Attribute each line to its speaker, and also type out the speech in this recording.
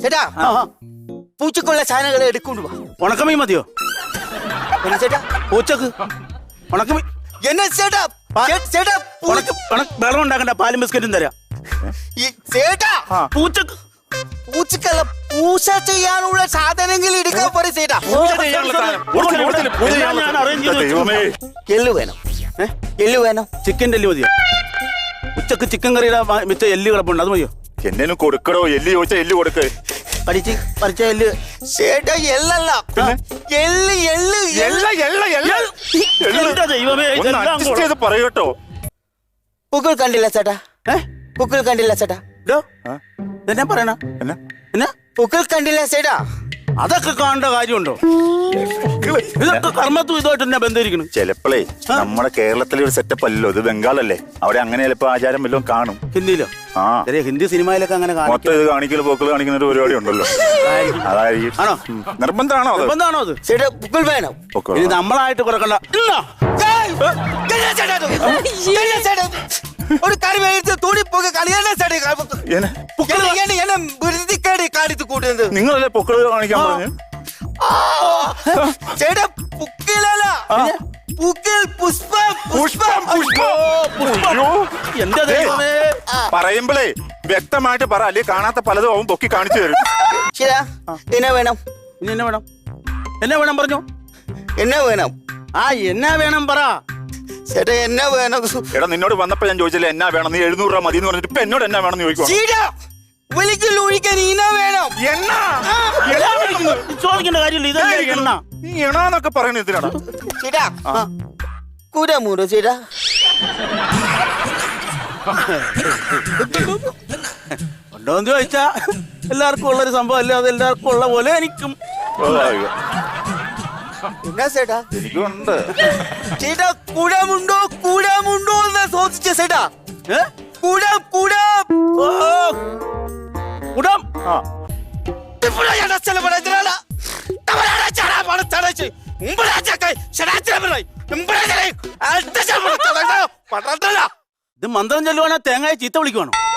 Speaker 1: ചേട്ടാ പൂച്ചക്കുള്ള സാധനങ്ങൾ എടുക്കൊണ്ടു വാ.
Speaker 2: ഉണക്കമീൻ മതിയോ
Speaker 1: ചേട്ടാ?
Speaker 2: പൂച്ചക്ക് ഉണക്കമീൻ
Speaker 1: എന്നാ ചേട്ടാ? ചേട്ടാ
Speaker 2: വെള്ളം ഉണ്ടാക്കണ്ട, പാലും ബിസ്ക്കറ്റും തരാം.
Speaker 1: ചേട്ടാ
Speaker 2: പൂച്ചക്ക്
Speaker 1: പൂച്ചക്കല്ല, പൂച്ച ചെയ്യാനുള്ള സാധനങ്ങൾ എടുക്കാൻ പറയും ചേട്ടാ.
Speaker 2: ഞാൻ അറേഞ്ച് ചെയ്ത്
Speaker 1: എള്ളു വേണം, എള്ളു വേണം.
Speaker 2: ചിക്കൻ്റെ എല്ല് മതിയോ? ഉച്ചക്ക് ചിക്കൻ കറിയുടെ മിച്ച എല്ല് കിടപ്പുണ്ട്, അത് മതിയോ?
Speaker 3: എന്നേനും കൊടുക്കടോ, എല്ല് ചോദിച്ചാ എല്ല് കൊടുക്ക്.
Speaker 2: പരിച്ച എല്ല്
Speaker 1: ചേട്ടാ എള്ളല്ല, എള്ള് എള്ള് എള്ള എള്ള എള്ള.
Speaker 2: എന്റെ ദൈവമേ,
Speaker 3: പറയട്ടോ.
Speaker 1: പൂക്കൾ കണ്ടില്ല ചേട്ടാ? പൂക്കൾ കണ്ടില്ല ചേട്ടാ?
Speaker 2: എന്നാ പറയണ? എന്നാ
Speaker 1: പൂക്കൾ കണ്ടില്ല ചേട്ടാ?
Speaker 2: അതൊക്കെ കാണേണ്ട കാര്യമുണ്ടോ? ഇതൊക്കെ കർമ്മത്തും ഇതുമായിട്ട് തന്നെ ബന്ധിരിക്കണം.
Speaker 3: ചിലപ്പോഴേ നമ്മുടെ കേരളത്തിലെ ഒരു സെറ്റപ്പ് അല്ലല്ലോ ഇത്, ബംഗാളല്ലേ, അവിടെ അങ്ങനെ ചിലപ്പോ ആചാരം വല്ലതും കാണും.
Speaker 2: ഹിന്ദിയിലോ?
Speaker 3: ആ
Speaker 2: ഹിന്ദി സിനിമയിലൊക്കെ അങ്ങനെ
Speaker 3: മൊത്തം ഇത് കാണിക്കല് പോക്കള് കാണിക്കുന്ന ഒരു പരിപാടി ഉണ്ടല്ലോ. അതായിരിക്കും.
Speaker 2: ആണോ?
Speaker 3: നിർബന്ധമാണോ?
Speaker 1: നിർബന്ധമാണോ അത്? ചേട്ടാ പൂക്കൾ വേണം.
Speaker 2: ഇത് നമ്മളായിട്ട് കുറക്കണ്ട.
Speaker 1: ഒരു കറി മേടിച്ച് തുണി പോയി കളിയാ കാണിച്ചു കൂട്ടുന്നത്.
Speaker 3: നിങ്ങളല്ലേ പൊക്കള് കാണിക്കാൻ പറഞ്ഞു?
Speaker 1: ചേട്ടാ പുക്കിലല്ല, പുക്കിൽ പുഷ്പം പുഷ്പം പുഷ്പം.
Speaker 2: എന്റെ ദൈവമേ,
Speaker 3: പറയുമ്പോഴേ വ്യക്തമായിട്ട് പറ, അല്ലെങ്കിൽ കാണാത്ത പലതും അവൻ പൊക്കി കാണിച്ചു തരും.
Speaker 1: ശരിയാ? എന്നാ വേണം?
Speaker 2: ഇനി എന്നാ വേണം? എന്നാ വേണം പറഞ്ഞു?
Speaker 1: എന്നാ വേണം?
Speaker 2: എന്നാ വേണം പറ
Speaker 1: ചേട്ടാ. എന്നാ വേണം?
Speaker 3: എടാ നിന്നോട് വന്നപ്പോ ഞാൻ ചോദിച്ചില്ല എന്നാ വേണം, നീ 700 രൂപ മതി എന്ന് പറഞ്ഞിട്ട് ഇപ്പൊ എന്നോട് എന്നാ വേണം ചോദിക്കും.
Speaker 1: ഒഴിക്കാൻ ഇന വേണം.
Speaker 2: ചോദിക്കേണ്ട കാര്യമില്ല, ഇതല്ലേ എണ്ണ.
Speaker 3: നീ എണ്ണാന്നൊക്കെ പറയണ എന്തിനാണ്?
Speaker 1: ചേട്ടാ കൂരാമൂറോ ചേട്ടാ?
Speaker 2: ഉണ്ടോന്ന് ചോദിച്ചാ എല്ലാവർക്കും ഉള്ളൊരു സംഭവം അല്ലേ, അത് എല്ലാവർക്കും ഉള്ള പോലെ എനിക്കും.
Speaker 1: എന്നാ ചേട്ടാ?
Speaker 3: എനിക്കുണ്ട്
Speaker 1: ചേട്ടാ. കൂടാമുണ്ടോ കൂടാമുണ്ടോ എന്ന് ചോദിച്ച ചേട്ടാ. കൂടാം കൂടാം
Speaker 2: കൂടാം. ഇത് മന്ത്രം ചൊല്ലുവാണോ തേങ്ങായ ചീത്ത വിളിക്കുവാണോ?